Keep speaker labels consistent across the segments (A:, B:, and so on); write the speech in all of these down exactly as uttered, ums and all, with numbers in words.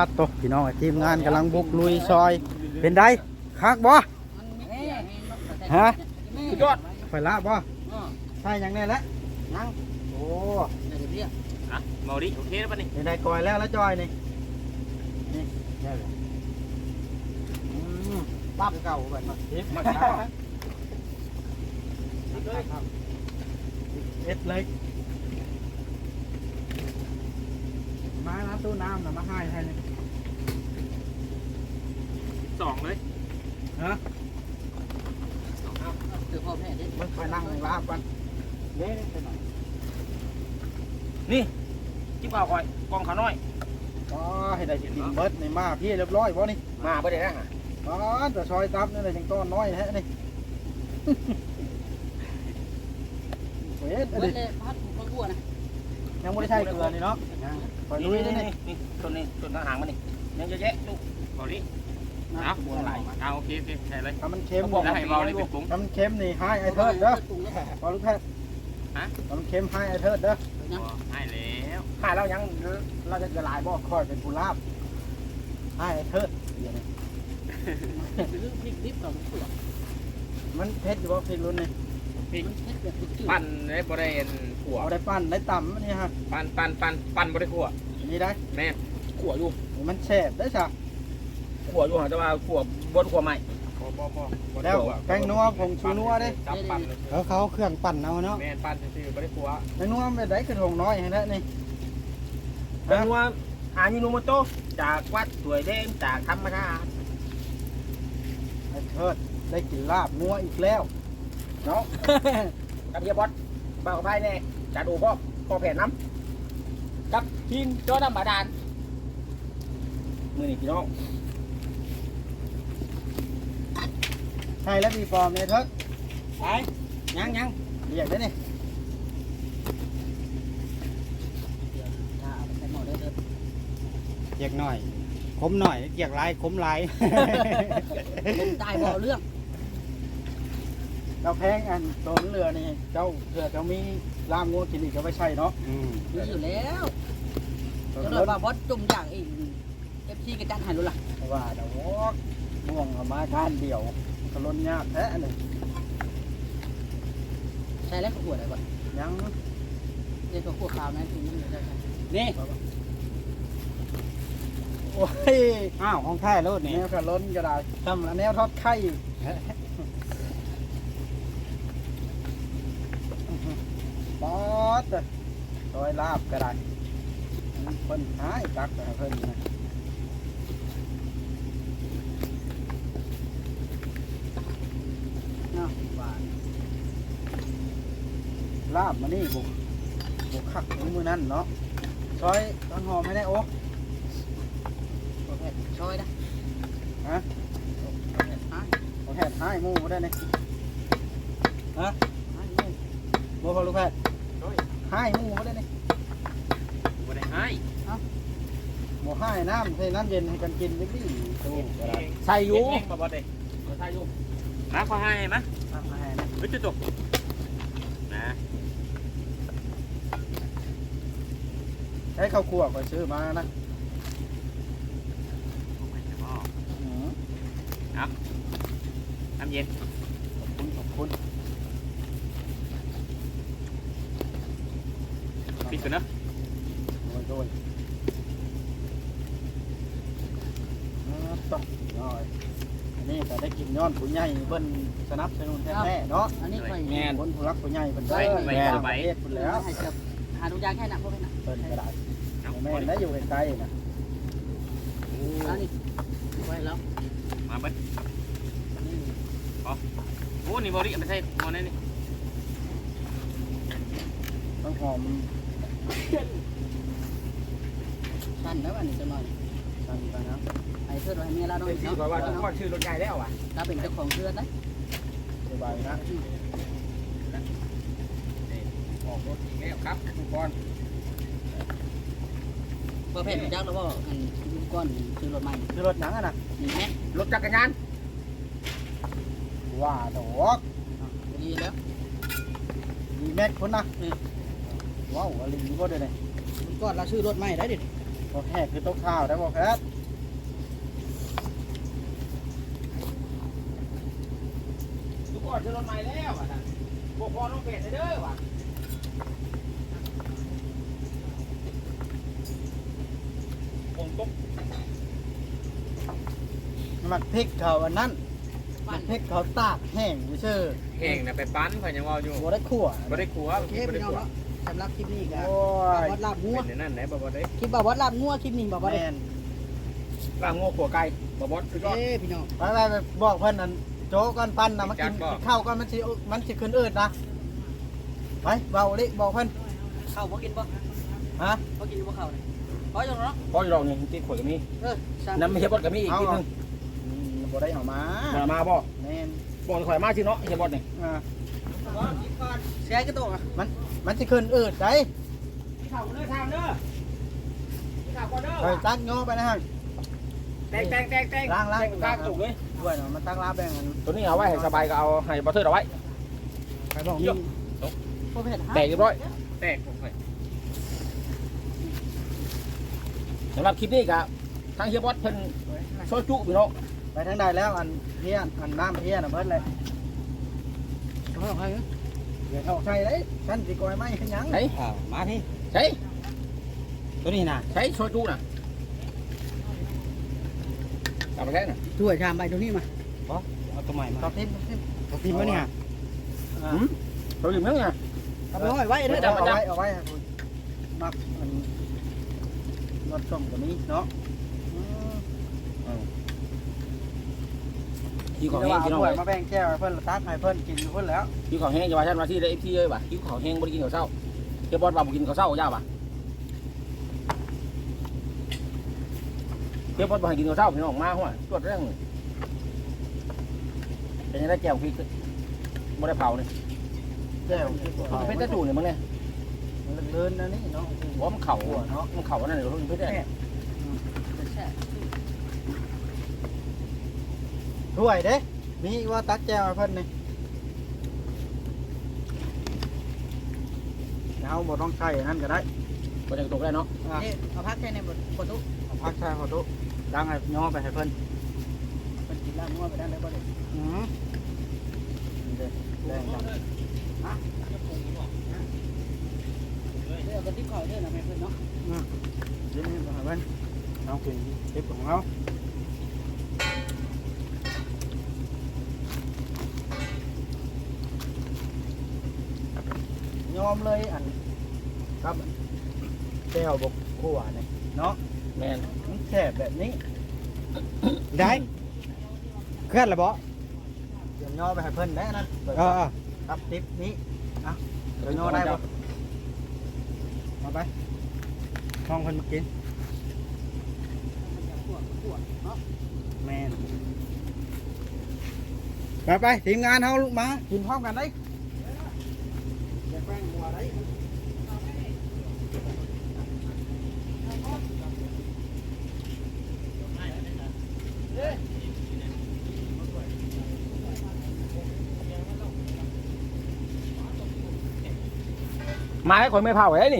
A: ดตกพี่น้องทีมงานกำลังบุกลุยซอยเป็นไดคักบ่ฮะ
B: สุดยอด
A: ไฟละบ่ใช่ยังแน่แล้วยังโอ้
B: อ่ะเมาดิโอเคแล้วป่ะนี่
A: เป็นไดก่อยแล้วแล้วจอยนี่นี่ได้เลยอืมปั๊บเก่าแบบมาทิปมาเอ็ดเลยมาแล้วตู้น้ำนะมาให้ให้เลย
B: สองเลย
A: ฮะ
C: คือพ่อแม่เด็ก
A: มันไปนั่งในลาบกันเด้ไปหน่อย
B: นี่จิ้มข้าวคอยกองขาน้อย
A: ก็ให้ได้กินเบิร์ดในมาพี่เรียบร้อยบ่นี่
B: มาบ่ได้นะฮะ
A: อ๋อแต่ซอยตับนี่เลยยังต้อนน้อยแท้นี่เว้ย
C: เบิ
A: ดิ
C: ดเลยพัดผูกกลัวนะ
A: ยังไม่ได้ใช้เกลือนี่เนาะคอย
B: นี่
A: ลุย
B: นี่
A: นี่
B: นี่นี่ต้นนี้ต้นทางหางมันนี่ยังเยอะแยะลูกเมาดิเอาบัวไหลเอาโอเคโอเคใช่เลย
A: ถ้ามันเค็ม
B: แล้วให้เมาเลยเป็นปุ๋ง
A: ถ้ามันเค็มนี่ให้ไอเทิดเด้อพอลูกแพทย์
B: ฮะ
A: ถ้ามันเค็มให้ไอเทิดเด้อ
B: ให้แล้ว
A: ให้เรายังเราจะละลายบ่ค่อยเป็นผู้ลาบให้ไอเทิดเดี๋ยวนี้
C: เรื่องพริกดิบกับตัว
A: มันเผ็ดอยู่บ่พริกรุ่นนี่
C: มันเผ็ดแบบจืด
B: ปั้นได้บ่ได้ขั่ว
A: เอาได้ปั้นได้ต่ำนี่ฮะ
B: ปั้นปั้นปั้นปั้นบ่ได้ขั่ว
A: อันนี้ได้
B: แม่ขั่วอยู่
A: มันแซ่บได้จ้ะ
B: ขั่วอยู่หาแต่ว่าขั่วบ่ขั่วใหม่บ่บ่บ่
A: แล้วแป้งนัวผงชูนัวเด้
B: จับปั้น
A: เขาเขาเครื่องปั่นเอาเนาะ
B: แม่ปั้นซื่อๆบ่ได้ขั่ว
A: แป้งนัวเป็นได้กระทงน้อยให้แล้วนี่
B: เป็นว่าอายุโนโมโตจากวัดสวยเด้งจากธรรมชาติ
A: ไอ้เทิดได้กินลาบนัวอีกแล้วเนาะ
B: กับเฮียบอสบ่าวกับไพ่แน่จัดโอ้พ่อพ่อแผ่นน้ำกับทีมโจดำบาดาลมือนี่พี่น้อง
A: ใช่แล้วมีฟอร์มเนี่ยเทิด
B: ไปยังยัง
A: เรียกได้นี่
C: ถ้าเอาไปใส่หม้อได้เลย
A: เกียกหน่อยคมหน่อยเกียกลายคมลาย
C: ผมตายบ่เรื่อง
A: เราแพงอันตัวเรือนี่เจ้าเรือเจ้ามีลามงูกินอีกก็ไม่ใช่เนาะ
C: มีอยู่แล้วก็เลยว่าบอสจุ่มอย่างอีกเอฟซีกระจันหายรู้ล่ะ
A: ว่าเดี๋ยวม่วงเอามาก้านเดียวกระล้นยากแท้หนึ่ง
C: ใช่แล้วก็ขวดอะไรก่อน
A: ยัง
C: เดี๋ยวก็ขวดขาวนะถึงมันจะ
A: นี่ โอ้ย อ้าวของแท้รถนี่แนวกระล้นก็ได้ทำแนวทอดไข่ป๊อดซอยลาบก็ได้เพิ่นหายตักแต่เพิ่นนะเนาะว่าลาบมานี่บุกบุกคักมือนั่นเนาะซอยต้นหอมให้ได้โอ้
C: โอเคช่วยนะ
A: ฮะ
C: โอเคหาย
A: โอแพทย์หายหมูบ่ได้นี่ฮะ
C: หาย
A: บ่พอลูกแพทย์หายหมูบ่ได้นี่
B: บ่ได้ให้
A: บ่หายน้ำใส่น้ำเย็นให้กันกินจังซี่โอ้ก็ได้
B: ใส่อยู่บ่บ่ได้ใส่อยู่มาขอให้มั้ย
A: เอามาให้นะ
B: เฮ้ยจุ๊บนะ
A: ให้ข้าวคั่วก็ซื้อมานะอืม
B: น้ำเย็น
A: ขอบคุณขอบคุณ
B: ปิดกันเนาะ
A: โดยโดยอ่าต่อน้อยอันนี้ก็ได้กินย้อนผู้ใหญ่เบิ่นสนับสนุนแท้ๆเนาะ
C: อันนี้ค่อย
B: แม่น
A: คนผู้รักผู้ใหญ่เพิ่นได้
B: ไว้
A: แม่น
B: ไว้
A: ประเทศเพิ่น
C: แล้
A: แล้ว ว
C: ให้เกือบหาดูยางแค่นั้นพวกนี้นะ
A: เพิ่นก็ได้
B: เอา
A: แม่นได้อยู่ใกล้ๆนะ
C: อันนี้ไว้แล้ว
B: มาเบิ้ลโอ้นี่บริไม่ใช่หมอนี่นี่
A: ต้องหอม
C: สั้นแล้วอันนี้จะหน่อย
A: สั่นไปนะ
C: ไอ้เพื่อนไว้เมียเราต้อง
B: เป็นที่บอกว่าต้องชื่อรถใหญ่แล้วอ่ะ
C: เราเป็นเจ้าของเพื่อนนะ
A: สบายนะ
B: ออกรถอีกแล้วครับทุกคน
C: เพื่อแพทย์จักแล้วว่าอันยุก้อนคือรถใหม่
A: คือรถหนังอะนะ
C: นี่แม่
B: รถจักรยาน
A: ว่าดอก
C: ดีแล้ว
A: มีแม็กคนนะว้าวอะไรก็ได้เลย
C: ยุก้อนเราซื้อรถใหม่ได้ดิ
A: โบ่แห้งคือต้มข้าวได้บ่แพทย์
B: ทุกคนจะรถใหม่แล้วอ่ะท่านพวกพ่อน้องเป็ดเด้อว่ะผมตก
A: มักพริกเขาอันนั้นมักพริกเขาตากแห้งซื่อ
D: แห้งนะไปปั้นเพิ่นยังว่าอยู่
A: ๆบ่ได้คั่ว
D: บ่ได้ขัว
C: โอเค
D: บ่ได้
C: พี่น้อง
D: ขัว
C: เนาะสำหรับคลิปนี้ก็
A: โอ้ย
C: วัดลาบงัว
D: เป็นนั่นไหนบ่บ่ได้
C: คลิปบ่วัดลาบงัวคลิปนี้บ่วัด
A: แม่น
B: ลาบงัวขัวไก่บอบอสสุดยอด
C: เอ้พี่น้อง
A: ไปไปไปบอกเพิ่นนั่นโจ๊กก่อนปั้นนะมากินกินข้าวก่อนมันสิมันสิขึ้นอืดนะไปเบาดิบอกเพิ่น
C: เข้าบ่กินบ่
A: ฮะ
C: บ่กินบ่เข้าเลยพอจังเนาะ
B: พออยู่ดอกนี่ตีขวดกับมี
C: เออสาม
B: น้ำไม่ใช่บอสกับมีอีกทีนึง
A: อืมบ่ได้เอามา
B: มามาบ่
A: แม่น
B: บอกข่อยมาชื่อเนาะใช่บอสนี่
A: อ่า
C: แซ่กระโตกอ่ะ
A: มันมันสิขึ้นอืดได้
B: พี่ข่าวเด้อทางเด้อพี่ข่าวก่อนเด้อ
A: ไปตักย่อไปนะฮะ
B: แตงแตงแตงแตง
A: ล้างล้าง
B: แตงกลางตุกเลย
A: ด้วยเนาะมันตักลาแบ่งกัน
B: ตัวนี้เอาไว้ให้สบายก็เอาให้บอสเทอร์เอาไว้
A: ไปบอกนี่
C: บ่เผ็ดฮะ
B: แตกเรียบร้อย
D: แตกผมค่อย
B: สำหรับคลิปนี้ก็ทางเฮียบอสเพิ่นโชว์จุพี่น้อง
A: ไปทางใดแล้วอันเพี้ยนอันน้ำเพี้ยนน่ะเบิดเลย
C: เอาเอาเอา
A: เดี๋ยวเอาใส่เลยฉันสิกอยไม้ขึ้นหยัง
B: ใช่
A: อ้าวมาพี่
B: ใช่
A: ตัวนี้น่ะ
B: ใช่โชว์จุน่ะกลับมาแค่น่ะ
C: ถ้วยชามใบตรงนี้มา
A: เอาตัวใหม่มาตอบทิมตอบทิมวะเนี่ยอ่า
B: หืมโชว์อยู่มั้งน่ะ
C: เอาไปห้อยไว้เด้อ
A: เอาไว้เอาไว้ครับคุณมักมันรสส้มตัวนี้เนาะอืม
B: ที่ของ
A: เดี๋ยว
B: แห้ง
A: เอา
B: พี่น้อง
A: ถ้วย
B: เอ้ย
A: มาแบ่งแก้วให้เพิ่นตักให้เพิ่นกินเพิ่นแล้ว
B: ที่ของแห้งจะว่าท่านมาที่ได้เอฟซีเลยป่ะที่ของแห้งบ่ได้กินข้าวเช้าเฮียบอสว่าบ่กินข้าวเช้าย่าป่ะเฮียบอสบ่ให้กินข้าวเช้าพี่น้องมาหัวตรวจเรื่องเป็นยังไงแก้วพริกบ่ได้เผานี่
A: แก้ว
B: มันเป็นตะจูนี่มึงเนี่ย
A: มันเลื่อนๆนะนี่เนาะ
B: ว่ามันเข่าเนาะมันเข่านั่นเดี๋ยวมันเป็นได้
A: ถ้วยเด้มีว่าตักแก้วให้เพิ่นนี่เอาบ่ต้องใช้อันนั่นก็ได้
B: บ่จะตกได้เนาะ
A: อ่ะ
C: นี่เอาพักแค่ในบทบททุก
A: เอาพักใช้ขอตุดังให้ย่อไปให้เพิ่น
C: เป็นกินลาบงัวไปได้เลยบ่ได้
A: อืมนี่เด้แดงจัง
C: เด้อบ่ติดข้อยเด้อนะแม่เพิ่นเนาะ
A: เดี๋ยวนี้ให้เพิ่นเอากินคลิปของเรายอมเลยอันครับแก้วบกขั่วนี่เนาะ
B: แม่น
A: มันแคบแบบนี้ ได้เคลื่อนละบ่เดี๋ยวย่อไปให้เพิ่นได้นั่นเออครับทิปนี้อ่ะเดี๋ยวย่อได้บ่เอาไปห้องเพิ่นมากิน
C: มันจะขวดขวดเนาะ
A: แม่นไปไปทีมงานเฮาลุกมากินพร้อมกันได้อย่าแกล้งหัวได้
B: มาให้คนไม่เผาไว้นี่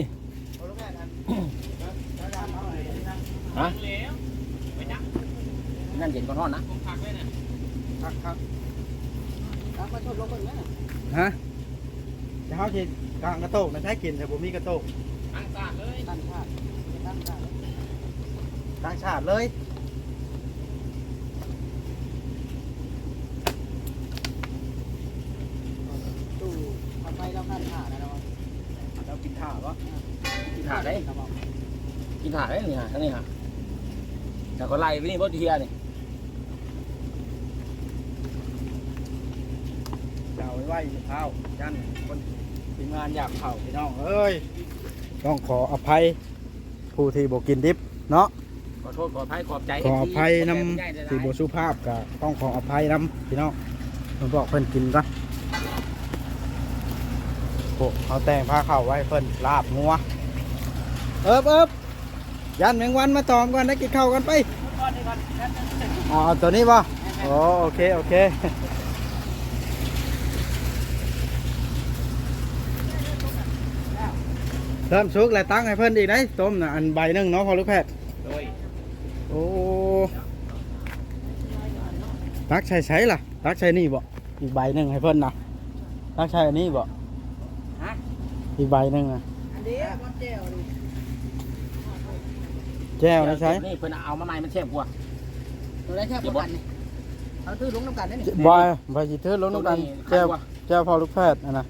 B: ฮะนั่นเย็นก่อนนอนนะ
A: ครับครับ
C: ตักมาชดลงเพิ่นแม่
A: ฮะจะเฮาสิกางกระโตกนะใช้กินแต่บ่มีกระโตก
C: ตั้งชาติตั้งชาติ
A: ต่างชาติเลยตู้
C: ทำไมเราขั้นขาดนะเรา
A: เรากินข้าวบ่
B: กินถ่าได้กินถ่าได้นี่ฮะทั้งนี้ฮะแต่ก็ไล่ไปนี่บ่เทียนี่
A: จะเอาไว้ไว้ข้าวยันคนทีมงานอยากข้าวพี่น้องเอ้ยต้องขออภัยผู้ที่บ่กินดิบเนาะ
B: ขอโทษขออภัยขอบใจ
A: ขออภัยนำที่บ่สุภาพก็ต้องขออภัยนำพี่น้องผมบอกเพิ่นกินก่อนโอ้เอาแต่งผ้าเข้าวไว้เพิ่นลาบงัวเอิบเอิบยันแมงวันมาตอมก่อนได้กินข้าวกันไปอ๋อเอาตัวนี้ป่ะโอ้โอเคโอเคเริ่มสุกแล้วตั้งให้เพิ่นอีกได้ต้มน่ะอันใบหนึงเนาะพอลูกแพทย์
D: โดย
A: โอ้ตักใช้ใช้ล่ะตักใช้นี่บ่อีกใบหนึ่งให้เพิ่นนะตักใช้อันนี้บ่
C: ฮะ
A: อีกใบหนึ่งนะ
C: อันนี้มันแก้วดิ
A: แก้วนะใช้
B: นี่เพิ่นเอามาใหม่มันแซ่บกว่า
C: ตัวได้แค่ประกันนี่เอาตื้อลงน้ำกันได้นี่
A: บอยใบจีเทอร์ลงน้ำกันแก้วแก้วพอลูกแพทย์อันนะ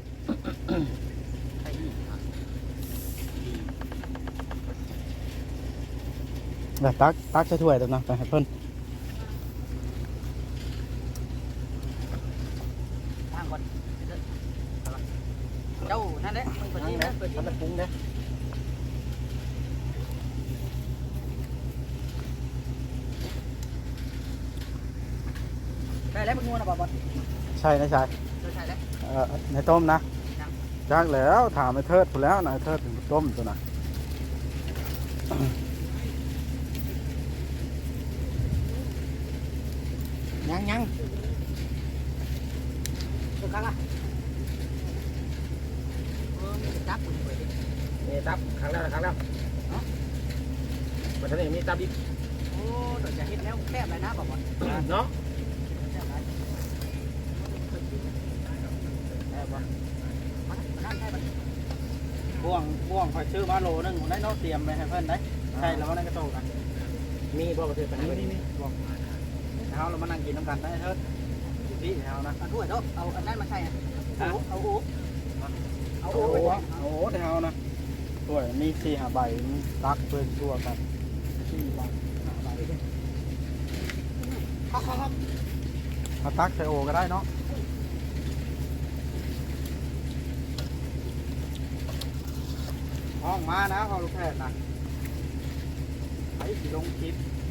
A: แล้วตักตักใช้ถ้วยตัวนะไปให้เพิ่น
C: ทางก่อนเจ้านั่นแหละมึงเปิดที่นะเปิดที่
A: มันปรุงเด้
C: ได้แล้วมึงงัวนะบอส
A: ใช่นะใช่
C: เดี๋ยวใช่แล้ว
A: เอ่อในต้มนะจักแล้วถามไอ้เทิดถูกแล้วนะไอ้เทิดถึงต้มตัวน่ะ
C: ยังยังตัวกลางอ่ะเออมีจับกูเปิดดิ
B: นี่ตับครั้งแล้วครั้งแล้วเนาะมันจะได้มีตับดิบ
C: โอ้เดี๋ยวจะเห็นแล้วแคบเลยนะบอส
B: เนาะ
C: แคบเลยแคบวะมานั่งใช่ปะ
A: บ่วงบ่วงคอยซื้อมาโลนึงได้เนาะเตรียมไปให้เพิ่นได้ใช่แล้วนั่นก็โตกัน
B: มีบ่ประเทศไปไหน
A: นี่นี่นี่บ่วงเฮาเรามานั่งกินน้ำกันได้เทิดที่เฮานะ
C: เอาถ้วยเนาะเอาอันนั้นมาใส่อ่ะเอาเอาโอ้เอา
A: โอ้
C: โอ้
A: โหโอ้โหเฮานะถ้วยมีสี่ห้าใบตักเพิ่นทั่วกันสี่ใบห้าใบ
C: ครับครับครับ
A: เอาตักใส่โอก็ได้เนาะห้องมานะพอลูกแพทย์นะไอ้สิลงคลิป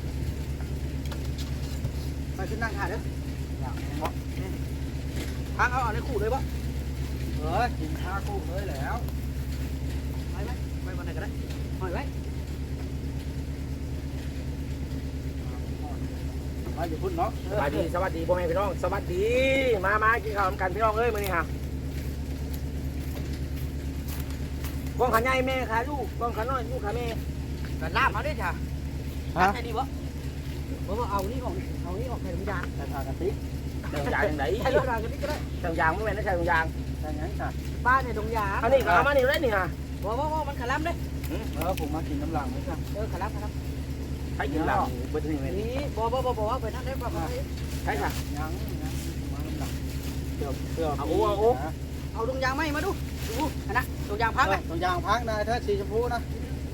C: ไปขึ้นนั่งถ่ายเด้อ
A: อย่างนี้บ่
C: ทางเอาเอาในขู่เลยปะ
A: เออกินข้าวกุ้งเลยแล้ว
C: ไปไหมไปวันไหนก็ได้หอยไว้
A: มาอยู่พุ่นเนาะ
B: สวัสดีสวัสดีพ่อแม่พี่น้องสวัสดีมามากินข้าวกันพี่น้องเอ้ยมื้อนี้ฮะกองขาใหญ่แม่ขาลูกกองขาน้อยลูกขาแม่
C: กันลาบมาด้วยจ้ะ
A: ฮะ
C: ใช่ดีปะเพราะว่าเอานี่ของเอานี่ของใครไม่ได้
A: แต่ทานกันติ
B: เจ้ายางยังไง
C: ใช่รถรางกันนี่ก็ได้
B: เจ้ายางไม่แม่นนะเจ้ายาง
A: แต่งั้นจ้ะ
C: บ้านในดงยาง
B: อันนี้ก็เอามานี่เลยนี่ฮะ
C: ว่าว่าว่ามันขลับเลย
A: เออผมมากินน้ำหลังไหมครับ
C: เออขลับขลับ
B: ใช้กินหลังเบิดนี่แม่น
C: นี่บ่บ่บ่บ่ว่าไปนั่นได้ป่ะ
B: ใช่ค่ะ
A: ยังยังมาน้ำหลังเกือบเกือบ
B: เอาโอ้เอาโอ้
C: เอาดงยางไหมมาดูดูอันนะดงยางพักไหม
A: ตรงยางพักนายเธอสีชมพูนะ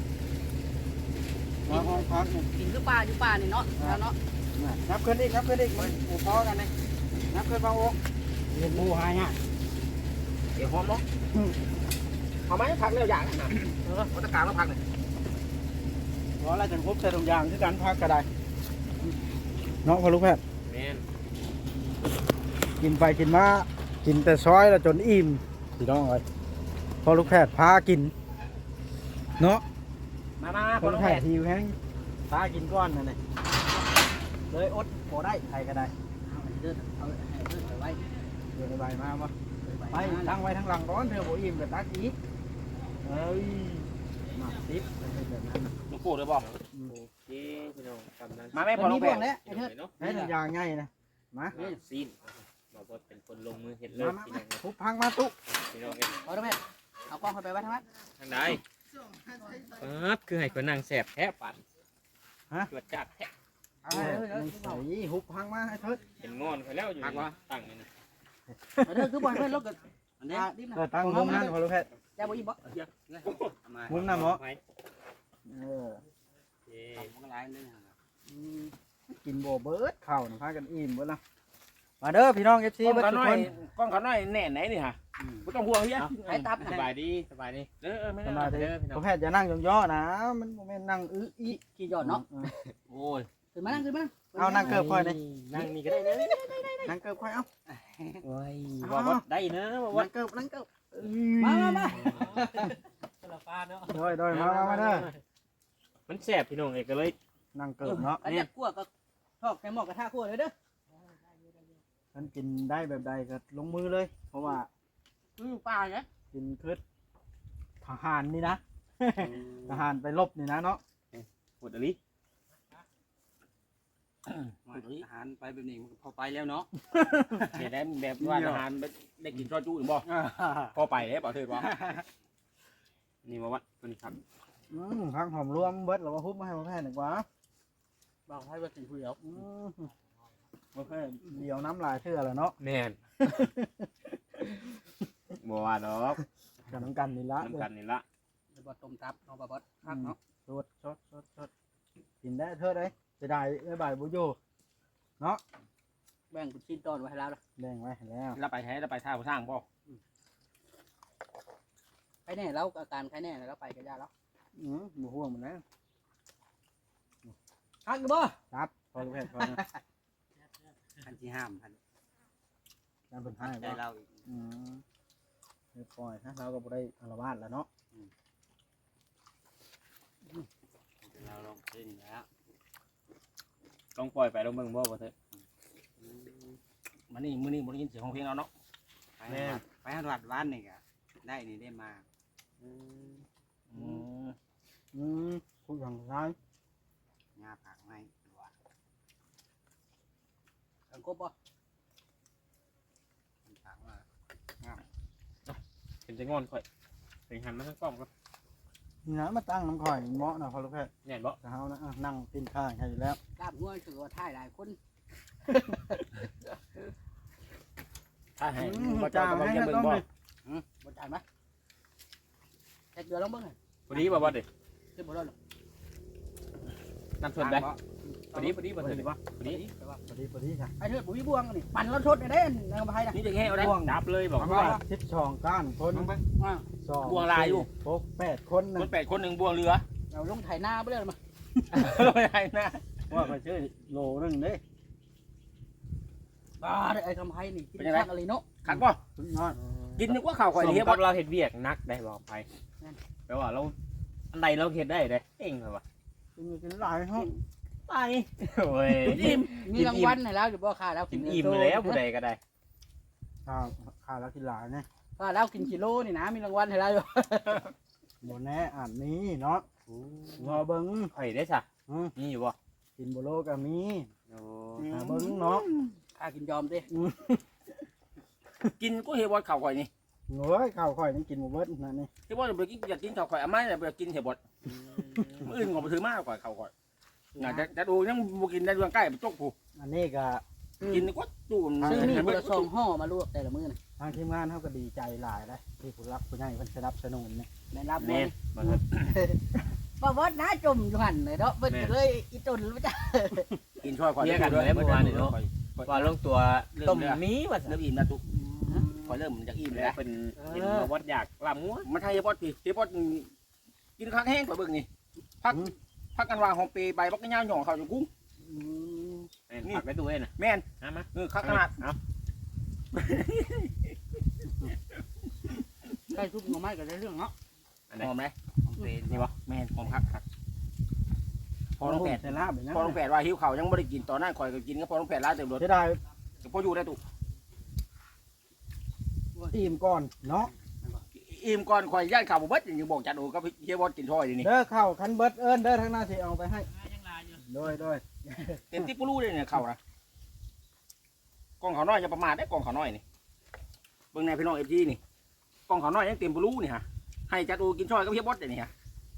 A: มาห้องพักเนี่ย
C: กินคือปลาอยู่ปลานี่เนาะแล้วเนาะ
A: นับขึ้นอีกนับขึ้นอีกมันหมูพอกันเลยนับขึ้นมาโอ้เรียนบูหายฮะ
B: เดี๋ยวหอมเนาะเอาไหมพักเร็วอย่างนะเออเอาตะการมาพักเลย
A: เพราะอะไรจังครบใส่ตรงยางที่การพักก็ได้เนาะพอลูกแพทย์
D: แม่น
A: กินไปกินมากินแต่ซอยแล้วจนอิ่มพี่น้องเลยพอลูกแพทย์พากินเนาะ
B: มามา
A: ค
B: คน
A: น
B: ละ
A: แพ
B: แผ่
A: ทย์หิวแห้งพากินก้อนนั่นเลยเลยอดพอได้ใครก็ได้
C: เอาเดินเอาเดินไปไว้
A: เดี๋ยวใบมาบ่ไปทั้งไว้ทั้งหลังก้อนเธอบ่อิ่มกับตักอีกเอ้ยมาซิปเป็นแบบนั้น
B: ลูกปูเลยบอก
D: โอเคพี่น้องกำลัง
B: มาแม่พอ
C: มัน
B: ลู
C: มี
B: ก
C: บ่
B: แผ่
C: วงแล้วไอ้เถิด
D: เนาะ
A: ให้ทุกอย่างง่ายนะมา
D: นี่ซีนบ่บ่เป็นคนลงมือเฮ็ดเลย
A: มา
D: พี่น้อง
A: ทุบพังมาตุ๊
D: พี่น้องเอ้ย
C: เอาได้ไหมเอากล้องไปไว้ทั้งนั้น
D: ทางใดปั๊บคือให้คนนั่งแสบแท้ปั่นตรวจจัดแท้
C: เอาเด้อเด้อ
A: ใส่หุบพังมาให้เถิด
D: เป็นงอนไปแล้วอยู่นี่ตั้งนี่นะ
C: เด้อคือบ่ให้เพิ่นลดกันอันนี้ดิบนะ
A: เออตั้งมุมนั้นพอลูกแพทย์
C: จะบ่อิ่มบ่
A: มุมนั้นเหรอ
D: ไหม
A: เออ
D: โอเค
C: มันหลายเลย
A: อืมกินโบเบิร์ดข้าวนะพากันอิ่มเบิดละมาเด้อพี่น้องเอฟซี
B: กล้อง
A: เบิด
B: ขา
A: ทุก
B: น้อ
A: ค
B: ย
A: น
B: กล้องขาน้อยแน่ไหนนี่ฮะไม่ต้องห่วงเฮีย
C: ให้ตับ
D: ส
C: นะ
D: บายดีสบายดีเออเออไม่
A: ส
D: ได้
A: บายดี
D: เด้อพี่น้
A: พ
D: อ
A: อง แพทย์จะนั่งย่อๆนะ มันบ่แม่นนั่งอื้ออี
C: กี่ยอดเนาะ
D: โอ้ย
C: ขึ้นมานั่งขึ้นมา
A: เอานั่งเกิบค่อยนี่
D: นั่งนี่ก็ได้นะ
A: นั่งเกิบค่อยเอา
D: โอ้ยว่าว่าได้นะว่าว่า
A: นั่งเกิบนั่งเกิบ
C: มามามา
A: โดยโดยมามามาเด้อ
D: มันแสบพี่น้องเอ้ยก็เลย
A: นั่งเกิบเนาะ
C: อันนี้คั่วก็ทอดในหม้อกระทะคั่วเลยเด้อ
A: มันกินได้แบบใดก็ลงมือเลย เพราะว่า
C: อือปลาเนี่ย
A: กินคือทหารนี่นะ ทหารไปรบนี่นะเนาะ
D: พูดอะไร
B: อาหารไปแบบนี้มันพอไปแล้วเนาะเห็นได้แบบว่าอาหารได้กินซอยจุ่บ่พอไปแล้วบ่เถิดบ่
D: นี่มาวัดตัวนี้ครับ
A: อืมพักหอมรวมเบิดแล้วว่าฮุบมาให้พ่อแพทย์หนึ่งวะ
C: บอกให้ว่ากินผู้เดียว
A: อืมพ่อแพทย์เดี๋ยวน้ำลายเชื่อแล้วเนาะ
D: แม่นบัวดอก
A: กับน้ำกันนี่ละ
D: น้ำกันนี่ละ
C: เดี๋ยวบ่ต้มตับเอาบ่บ่คักเนาะ
A: สดสดสดสดกินได้เธอได้จะได้ได้บ่ายบุโยเนาะ
C: แบ่งเป็นชิ้นตอนไว้ให้แล้ว
A: แดงไว้ให้แล้ว
B: เราไปแท้เราไปท่าผู้สร้างบ่
C: ใครแน่แล้วอาการใครแน่แล้วไปก็ยาแล้ว
A: อืมบุห่วงมันนะ
C: คักอยู่บ่
A: ครับพอแพทย์พอนะ
B: พันที่ห้ามพัน
A: การเป็นให้
B: ใจ
A: ว่า
B: เราอีก
A: อืมเรียบร้อยนะเราก็บ่ได้อารวาสแล้วเนาะ
B: เราลองเล่นแล้ว
D: ต้องปล่อยไปแล้วมึงบ่บ่เถอะ
B: มันนี่มื้อนี้บ่ได้ยินเสียงของเพลงเราเนาะ
D: แม่
B: ไปหาวัดวันนี่ก็ได้นี่ได้มา
A: อืมพูดอย่างไร
B: งาผักไม้ว่า
C: กังกบบ่
B: ผักว่า
D: เป็นจะงอนค่อยเป็นหันมาทั้งกล้องก็
A: นี่นะมาตั้งน้ำข่อยเหมาะนะพอแพทย์
D: แน่นบ่
A: จะเฮานะอ่ะนั่งกินข้าวให้อยู่แล้ว
C: กล้ามหัวถือว่าท่ายหลายคน
B: ถ้าให้
A: อืม
B: บ่เจ้าก็บ่จะเบิ่งบ่
C: บ่จ่ายมั้ยแค่เดือนลองเบิ่งให้
D: พอดีบ่บ่เด้
C: ขึ้นบ่ได้หรอก
D: น้ำชนได้พอดีพอดีบ่เถอะดิบ่พอดี
C: ไปว่า
A: พอดีพอดีจ้ะ
C: ไอ้เถิดบ่มีบ่วงนี่ปั่นแล้วทดได้เด้นางไผน่ะ
B: นี่จะแค่เอาได้
D: ดับเลยบอก
A: เพราะ
D: ว่า
A: ว่าทิศช่องก้านคน
C: อ่า
A: สอง
B: บวงลายอยู่
A: หกแปดคนหนึ
B: ค
A: ง
B: นแปดคนหนึ่งบวงเรือ
C: เราลงไถนาบ่ได้มา
B: ไม่ได้นะ
A: ว่าไปชื่อโลนึงเด้
C: บ้าไอ้คำไผนี่กินคักอะไรเนาะ
B: ขักบ่
A: สุดยอด
B: กินนึกว่าข้าวข่อย
D: สม
B: เฮีย
D: กั
B: บ่
D: บเราเฮ็ดเวียกนักได้บอกไปแปลว่าเราอันใดเราเฮ็ดได้เด้เองเหรอวะ
A: กินกินหลายห้อง
D: ไปโอ้ย
C: อิ่มมีรางวัลให้แล้วอยู่บ่ค่าแล้ว
D: กินอิ่มแล้วผู้ใดก็ได้
A: ข้าวข้าวแล้วกินหลายเนี่ย
C: ค่าแล้วกินกิโลนี่นะมีรางวัลให้แล้วอยู่
A: บนแน่อ่านนี้เนาะรอเบิ้ง
D: ข่อยได้ซะ
A: อืม
D: มีอยู่บ่
A: กินโบโลก็มี
D: โอ้
A: หาเบิ้งเนาะ
C: ค่ากินยอมดิ
B: กินก็เฮียบ่ข้าวข่อยนี่
A: โอ้ยข้าวข่อยนี่กินหมดเบิดนั่นนี่
B: เฮียบ่ไปกินอยากกินข้าวข่อยอ่ะไม่ได้ไปกินเฮียบ่มื้ออื่นก็บ่ถือมากกว่าข้าวข่อยน่าจะจะดูยังบ่กินได้ดวงใกล้ไปจกผู้
A: อันนี้ก็
B: กินก็จูน
C: ซื้อมีคนละสองห่อมาลวกแต่ละมื้อน่ะ
A: ทางทีมงานเขาก็ดีใจหลายเลยที่ผู้รักผู้ใหญ่เพิ่นสนับสนุนเนี่ย
C: แม่นรับ
D: แม่
C: แม่
D: นบ่เถอะ
C: บ่วดนะจมอยู่หั่นเลยเนาะเพิ่นก็เลยอีตุนรู้จ้ะ
B: กินช่วยข่อย
D: ว่าลงตัวต้มมีว่า
B: เริ่มอิ่มแล้วตุข่อยเริ่มอยากอิ่มแล้ว
D: เป็นกินมาวัดอยากลำงัว
B: มันให้เฮียบ่พี่เฮียบ่กินข้างแห้งข่อยเบิ่งนี่พักพักกันว่าหอมเปใบบักยาวหย่องเข้าอยู่กุ้ง
C: อืม
D: ผักไปตู้เองน่ะ
B: แม่น
D: นะมา
B: เออคักขนาด
D: เอา
C: ใกล้ทุบหน่อไม้ก็ได้เรื่องเนาะ
D: อันไหน
B: หอมไหม
D: นี่บ่
B: แม่นหอมคักคักพอน้องแปด
A: แต่ลาบเลยนะ
B: พอน้องแปดว่าหิวข้าวยังไม่ได้กินตอนนั้นข่อยก็กินก็พอน้องแปดร้านเต็มรถ
A: จะได้
B: พออยู่ได้ตุ
A: อิ่มก่อนเนาะ
B: อิ่มก่อนข่อยย่านข้าวบ่เบิดยังบอกจัดโอ้ก็เฮียบอสกินถ้อยนี่
A: เด้อข้าวคันเบิดเอิ้นเด้อทางหน้าที่เอาไปให้โดยโดย
B: เต็มที่ปูรู้เลยเนี่ยข้าวนะกองข้าวน้อยอย่าประมาทได้กองข้าวน้อยนี่เบิ่งในพี่น้อง เอฟ จี นี่กองข้าวน้อยยังเต็มปูรู้นี่ฮะให้จัดโอ้กินถ้อยก็เฮียบอสนี่ฮะ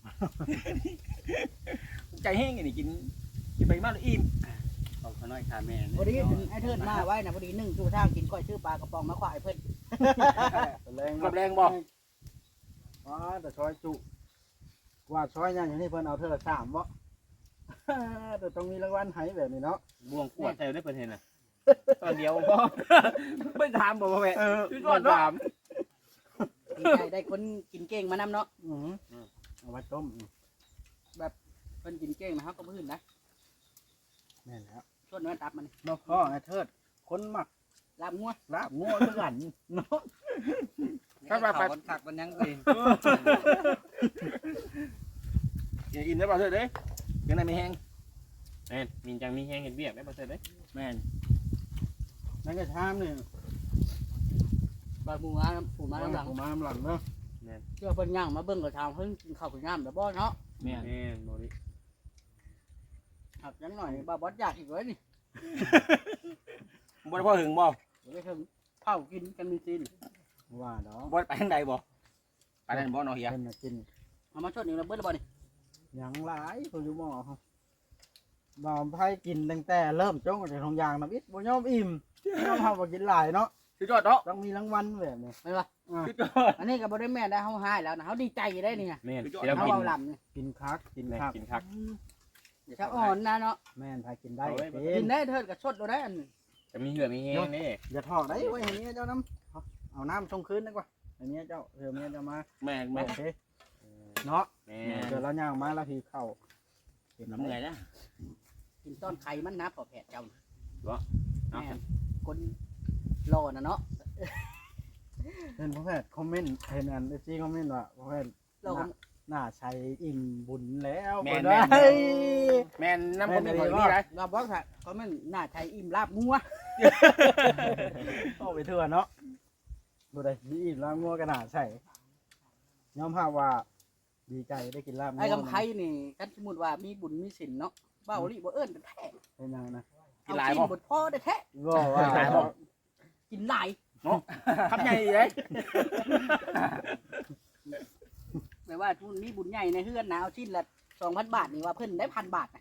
B: ใจแห้งนี่กินกินไปมากเลยอิ่มกองข้าวน้อยคาแม่
C: พอดีไอ้เทิดมาไว้นะพอดีนึ่งชูทางกินก้อยชื่อปลากระป๋องมาขวายเพิ่น
A: แรง
B: กับแรงบ่
A: อ๋อแต่ซอยจุว่าซอยยังอย่างนี้เพิ่นเอาเธอสามบ่ แต่ต้องมีรางวัลให้แบบนี้เนาะ
D: บ่วงขวดใส่ได้เพิ่นเห็นน่ะตอนเดียวพอ
B: ไม่ถามบ่พ่อแม่
A: เออ
B: พี่ก่อนถาม
C: ดีใจได้คนกินเก่งมานำเนาะ
A: อือเอาไว้ต้ม
C: เพิ่นกินเก่งนะเฮาก็พื้นนะ
A: แม่นแล้ว
C: ชวนเนื้อตับมัน
A: เนาะพ่อไอ้เทิดคนมัก
C: ลาบงัว
A: ลาบงัวคือกันเนาะ
B: ครับไป
C: มันผักมันยังเอง
B: อย่าอิ่มได้ป่ะเถิดเด้ยังไงไม่แห้ง
D: แม่นมีจังมีแห้งเฮ็ดเวียกได้บ่เสร็จเด้
B: แม่น
A: นั่นก็ชามนี่
C: บาดหมูมาผู้มา
A: มา
C: หลัง
A: มาหลังเนาะ
C: เชื่อเพิ่นย่างมาเบิ่งก็ทางเพิ่นกินข้าวกินน้ำแล้วบ่เนาะ
B: แม่น
D: แม่นบ่ดิ
C: หักยังหน่อยบ่าวบอสอยากอีกเลยนี่
B: บ่ได้พ่อหึงบ่
C: เดี๋ยวถึงเผากินกันมีซีน
A: ว่าเนาะ
B: บ่ได้ไปทางใดบ่ไปทางบ่เนาะเฮีย
A: เพิ่นน่ะกิน
C: เอามาชดหนึ่งแล้วเบิ้ลแล้วบ่นี่
A: หยังหลายเพิ่นอยู่หม้อเฮาบ่าวไผกินตั้งแต่เริ่มจ้องจากทงยางน้ำอิดบ่ยอมอิ่มยอมเฮาบ่กินหลายเนาะ
B: สุดยอดเนาะ
A: ต้องมีรางวัลแบบนี้
C: ไม่ว่า
B: สุดยอด
C: อันนี้ก็บ่ได้แม่ได้เฮาหายแล้วนะเฮาดีใจได้นี่ไง
D: แม่น
B: สุดยอด
D: เดี๋ยว
C: เฮา
D: กิน
C: เอาลำนี่
A: กินคักกิน
D: แม่น
A: คัก
D: กินคัก
C: ถ้าอ่อนนะเนาะ
A: แม่นไผกินได้
D: เอาไว้
A: เป็
C: กิ
A: น
C: นได้เถิดก็ชดเราได้อันนี้
D: จะมีเหือมีแห้งนี่
A: อย่าถอกได้ไว้ให้เมียเจ้าน้ำเอาเอาน้ำชงคืนดีกว่าให้เมียเจ้าเดี๋ยวเมียเจ้ามา
B: แม่น
A: โอ
B: แม่น
A: เคเนาะ
D: แม่
A: เดี๋ยวเราย่างมาแล้วพี่เข้าเห็น
B: น้ำ
A: น้ำ
B: เห
A: เห
B: นื่
A: นื่
B: อ
A: อย ย
B: นะ
C: กินต้นไข่มันนะพอแผดเจ้าน่ะ
D: เอา
C: แม่นคนรอน่ะเนาะ
A: เห็นพ่อแพทย์คอมเมนต์เห็นอันเอซีคอมเมนต์ว่าพ่อแพทย์
C: เราก็
A: หน้าชัยอิ่มบุญแล้ว
B: แม่น
A: เพิ่
B: แม่น
A: เอ้ย
B: แม่นน้ำผมเป็นคนนี้ไร
C: เราบอกว่าเขามันหน้าไทยอิ่มลาบงัว
A: เข้าไปเถื่อนเนาะดูได้ดีอิ่มแล้วงัวกระหนาใส่ยอมภาพว่าดีใจได้กินลาบงัว
C: ไอ้กำไพนี่กันสมมุติว่ามีบุญมีศีลเนาะเบ้าลิบ่เอิ้นแท้
A: เป็นยังนะ
B: กินหลายบ่
C: บ่บดพ่อได้แท้
A: ก็ว่า
B: หลายบ่
C: กินหลาย
B: เนาะคำใหญ่เลย
C: แปลว่าทุนมีบุญใหญ่ในเฮือนนะเอาชิ้นละสองพันบาทนี่ว่าเพิ่นได้พันบาทนะ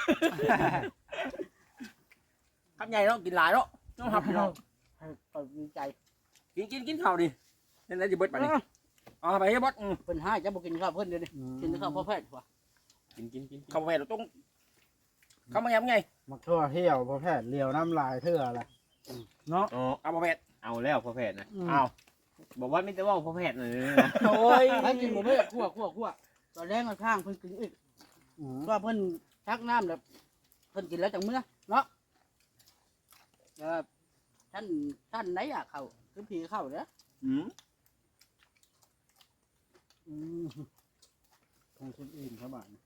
B: คำใหญ่เนาะกินหลายเนาะต้องทำพี่น้อง
C: ให้ก็ดีใจ
B: กินกินกินข้าวดินั่นแหละจะเบิดไปนี่เอาไปให้บดอืม
C: เพิ่นให้จะบ่กินข้าวเพิ่นเดี๋ยวนี้กินแต่ข้าวพ่อแพทย์ว่ะ
D: กินกินกินกิน
B: เข้าไปเราต้องเข้ามาไงไง
A: มักทั่วเที่ยวพ่อแพทย์เลียวน้ำลายเถื่ออะไรเนาะ
D: อ๋อ
B: เอาประเภท
D: เอาแล้วพ่อแพทย์นะ
B: เอา
D: บอกว่าไม่แต่ว่าพ่อแพทย์เลยนะ
B: โอ้ย
C: ให้กินบ่แม่คั่วคั่วคั่วตอนแรกมันข้างเพิ่นกินอีก
A: อืม
C: ว่าเพิ่นชักน้ำแล้วเพิ่นกินแล้วจังเมื่อเนาะเออท่านท่านไหนอ่ะเข้าคือผีเข้าเด้อ
B: อืม
A: อืมคงชิมอิ่มครับบ้าน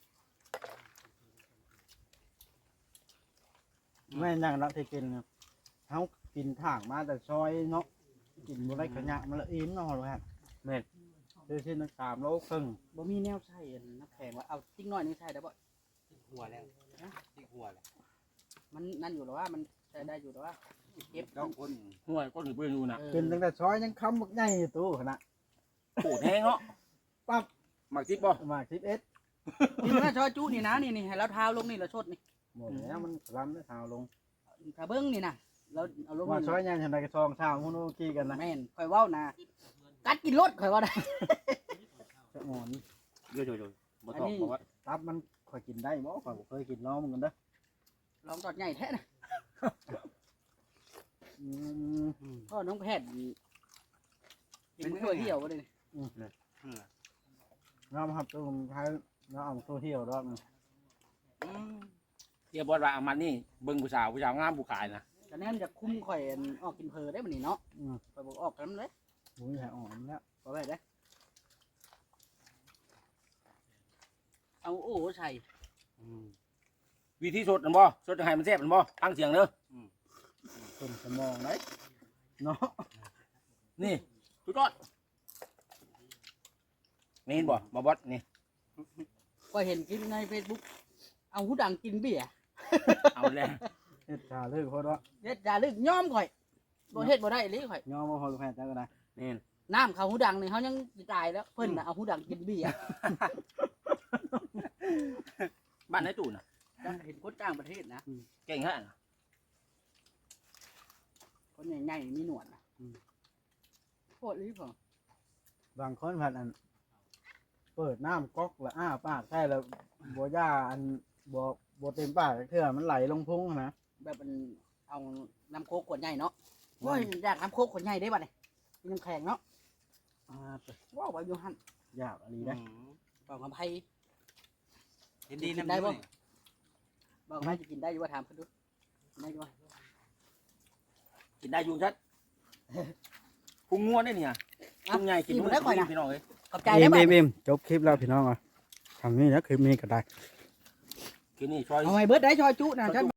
A: แม่นั่งรับที่กินเนี่ยเขากินถ่างมาแต่ซอยเนาะกินบ่ได้ขยะมันละอิ่มเนาะพ่อแพทย์
D: แม่น
A: เดี๋ยวที่นักสามโลครึ่ง
C: บ่มีแนวใส่อันน้ำแข็งว่าเอาติ๊กน้อยนี่ใส่ได้บ่
E: หัวแล้วที่หัวแล้ว
C: มันนั่นอยู่หรอว่ามันใช้ได้อยู่หรอว่าเก็บ
E: เจ้าคน
B: ห่วยก้นถือปืนอยู่นะ
C: เออ
A: กินตั้งแต่ซอยยังคำบักใหญ่อยู่ตู้ขนาด
B: โอ้แห้งเนาะ
A: ปั๊บ
B: หมักจิ๊บบ่
A: มาสิบเอ็ด
C: นี่นะชอยจุนี่นะนี่นี่ให้เราเท้าลงนี่เราชดนี่
A: หมดแล้วมันล้ำได้เท้าลง
C: ถ้าเบิ้งนี่นะเราเอาลง
A: ว่า
C: นี่
A: ซอยยังทำไมกระซองเท้ามุนูกี้กันนะ
C: แม่นคอยเว้านะกัดกินรถคอยว่าได้
A: จะหมอน
B: เดี๋ยวเดี๋ยวเดี๋ยวบ่ตอบบอกว่า
A: ตับมันคอยกินได้บ่คอยบ่เคยกินน้องมึงกันเด้อ
C: ลองตอดใหญ่แท้นะ
A: อืม
C: พ่อน้องแพทย์กินถ้วยเดียวก็ได้นี่
A: น้ำครับตัวผมใช้น้ำเอาตัวเที่ยวรอบนึง
C: อืม
B: เทียบว่าเอามันนี่เบิ่งผู้สาวผู้สาวงามผู้ขายนะ
C: แต่แน่นจะคุ้มข่อยอันออกกินเพลได้บ่นี่เนาะ
A: อืม
C: ข่อยบอกออกกันเลย
A: บุ้ยแหอ่อนแล้ว
C: บ่ไปได้เอาโอ้ใส่
B: วิธีสดนั่นบ่สดจะให้มันแซ่บนั่นบ่ตั้งเสียงเด้อ
A: คนสมองเลยเนาะ
B: นี่สุดยอดนี่เห็นบ่บ่บดนี่
C: ก็เห็นกินใน Facebook เอาหูดังกินเบียร์
B: เอาแล้ว
A: เฮ็ดชาเลิกโคตรว่า
C: เฮ็ดจาลึกย้อมข่อยบ่เฮ็ดบ่ได้อีหลีข่อย
A: ย่อมาพอแพทย์จังกันนะ
D: แม่น
C: น้ำเขาหูดังนี่เขายังตายแล้วเพิ่นน่ะเอาหูดังกินเบียร์
B: บ้านไหนตู่น่ะ
C: จังเห็นคนต่างประเทศนะ
B: เก่งฮะ
C: คนใหญ่ๆมีหนวดนะโคตรลีพอบ
A: างคนผัดอัน เปิดน้ำก๊อกแล้วอ้าปากใช่แล้วบัวย่าอันบัวบัวเต็มปากเถื่อมันไหลลงพุงนะ
C: แบบมันเอาน้ำโคกขวดใหญ่เนาะโอ้ยอยากน้ำโคกขวดใหญ่ได้บัดนี่มีน้ำแข็งเนาะ
A: อ่า
C: ว้าวไปอยู่หั่น
A: ยากอะไรได้
C: บอกกับไผ
E: เห็นดีนะ
C: ได้บ่บอกกับไผจะกินได้อยู่ว่าถามเพิ่นดูกินได้อยู่ว่า
B: กินได้อยู่ชัดพุงงัวได้เนี่ยพุงใหญ่กินได้ก่อนนะพี่น้องเอ้ย
C: ขอบใจได้บ่
A: บิมจบคลิปแล้วพี่น้องอ่ะทำนี่นะคลิปนี้ก็ได้
B: กินนี่ซอย
C: เอาไว้เบิดได้ชอยจุนะฉัน